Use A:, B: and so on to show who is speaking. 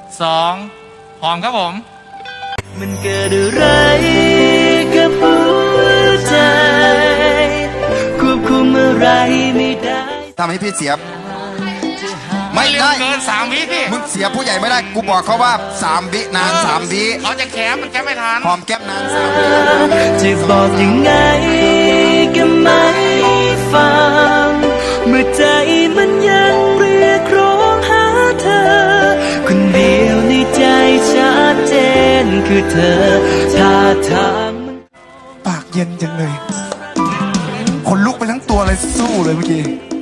A: 2หอมครับผม
B: มันเกิดอะไรกับหัวใจควบคุมอะไรไม่ได้
C: ทำให้พี่เสียไม่
A: เร็ว
C: ได้
A: เกิน3 วิพี่
C: มึงเสียผู้ใหญ่ไม่ได้กูบอกเขาว่า3 วินาน3 วิ
A: เขาจะแคปมันแคปไม่ทัน
C: หอมแก้มนาน3 วิ
B: จะบอกยังไงก็ไม่ฟังเมื่อใจมันยังเรียกร้องหาเธอคนเดียวในใจชัดเจนคือเธอท่าทาง
C: ปากเย็นจังเลยคนลุกไปทั้งตัวเลยสู้เลยเมื่อกี้